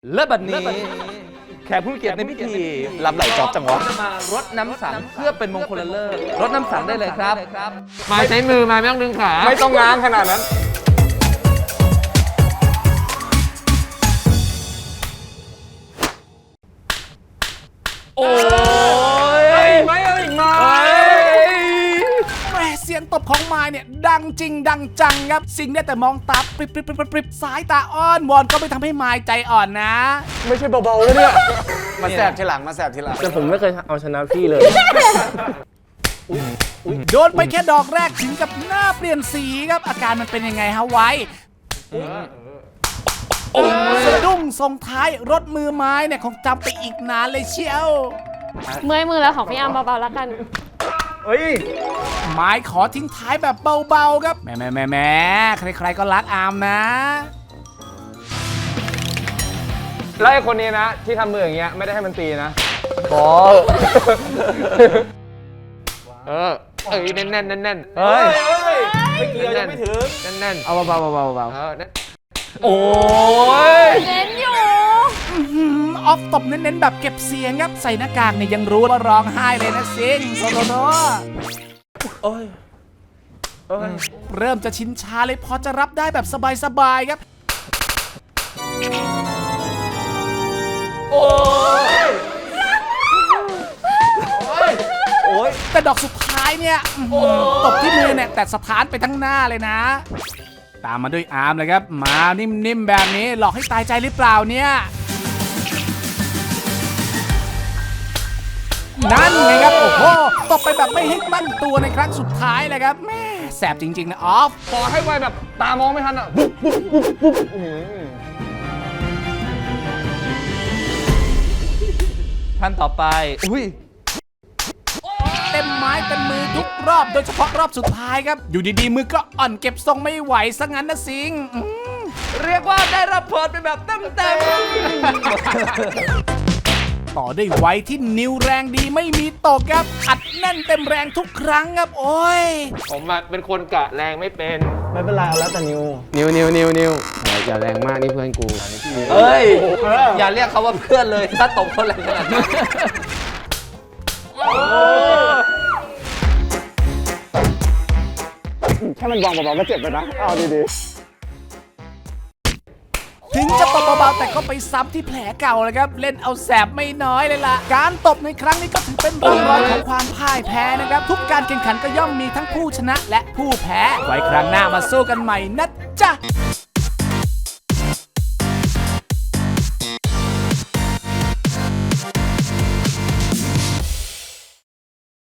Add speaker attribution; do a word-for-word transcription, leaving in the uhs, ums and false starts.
Speaker 1: และบัดนี้แขกผู้มีเกียรติในพิธีรับไหลจอบจังหวะจะมารดน้ำสังเพื่อเป็นมงคลเลิศรดน้ำสังได้เลยครับ
Speaker 2: มาใช้มือมาไม่ต้องดึงขา
Speaker 3: ไม่ต้องง้างขนาดนั้น
Speaker 1: โอ้ยไม่เอาอีกไหม
Speaker 4: แม่เสียงตบของไม้เนี่ยดังจริงดังจังครับสิงได้แต่มองตาปริบปริบปริบปริบสายตาอ้อนวอนก็ไม่ทำให้ไม้ใจอ่อนนะ
Speaker 3: ไม่ใช่เบาๆเลยเนี่ยมาแสบทีหลังมาแสบทีหลัง
Speaker 2: แต่ผมไม่เคยเอาชนะพี่เลย
Speaker 4: โดนไปแค่ดอกแรกถึงกับหน้าเปลี่ยนสีครับอาการมันเป็นยังไงฮะไว้สะดุ้งส่งท้ายรถมือไม้เนี่ยคงจำไปอีกนานเลยเชียว
Speaker 5: เมื่อยมือแล้วของพี่อาร์มเบาๆแล้วกัน
Speaker 3: เฮ้ย
Speaker 4: ไม้ขอทิ้งท้ายแบบเบาๆครับแหม่แหม่แหม่แหม่ใครๆก็รักอาร์มนะ
Speaker 3: แล้วไอ้คนนี้นะที่ทำมืออย่างเงี้ยไม่ได้ให้มันตีนะบอ
Speaker 2: เออเอ้ยแน่นแน่นแน่นแน่น
Speaker 3: เฮ้ย
Speaker 2: ไม่เกี่ยวยังไม่ถึงแน่นแน่น
Speaker 3: เอาเบาๆเบาๆเบา
Speaker 2: เออแน่น
Speaker 3: โอ้ย
Speaker 5: เน้นอยู่
Speaker 4: อื้อหือออฟตบเน้นๆแบบเก็บเสียงครับใส่หน้ากากเนี่ยยังรู้ว่าร้องไห้เลยนะซิงโซโลโน
Speaker 3: โอ้ยโอ้ย
Speaker 4: เริ่มจะชินชาเลยพอจะรับได้แบบสบายๆครับ
Speaker 3: โอ้ยโอ้ย
Speaker 4: แต่ดอกสุดท้ายเนี่ยอื้อหือตบที่มือเนี่ยแต่สถานไปทั้งหน้าเลยนะ ตามมาด้วยอาร์มเลยครับมานิ่มๆแบบนี้หลอกให้ตายใจหรือเปล่าเนี่ยนั่นไงครับโอ้โหตบไปแบบไม่ให้ตั้งตัวในครั้งสุดท้ายเลยครับแม่แสบจริงๆนะออฟ
Speaker 3: ขอให้ไวแบบตามองไม่ทันอ่ะปุ๊บปุ๊บปุ๊บปุ๊บอื้อหือ
Speaker 1: ท่านต่อไปอุ้ย
Speaker 4: เต็มไม้เต็มมือทุกรอบโดยเฉพาะรอบสุดท้ายครับอยู่ดีๆมือก็อ่อนเก็บทรงไม่ไหวซะงั้นนะสิงอืม
Speaker 1: เรียกว่าได้รับเพิร์ดไปแบบเต็มเต็ม
Speaker 4: ต่อด้วยไว้ที่นิ้วแรงดีไม่มีตกครับอัดแน่นเต็มแรงทุกครั้งครับโอ้ย
Speaker 2: ผมอะเป็นคนกะแรงไม่เป็น
Speaker 3: ไม่เป็นไรเอาแล้วแต่นิว
Speaker 2: นิวนิวนิวนิวอย่าแรงมากนี่เพื่อนกู
Speaker 1: เอ้ยอย่าเรียกเขาว่าเพื่อนเลยถ้าตบเขาแรงขนาดนั้น
Speaker 3: แค่มันวางเบาๆก็เจ็บไปนะเอาดี
Speaker 4: ถึงจะตบเบาๆแต่ก็ไปซ้ำที่แผลเก่าเลยครับเล่นเอาแสบไม่น้อยเลยล่ะการตบในครั้งนี้ก็ถือเป็นร่องรอยของความพ่ายแพ้นะครับทุกการแข่งขันก็ย่อมมีทั้งผู้ชนะและผู้แพ้ไว้ครั้งหน้ามาสู้กันใหม่นะจ๊ะ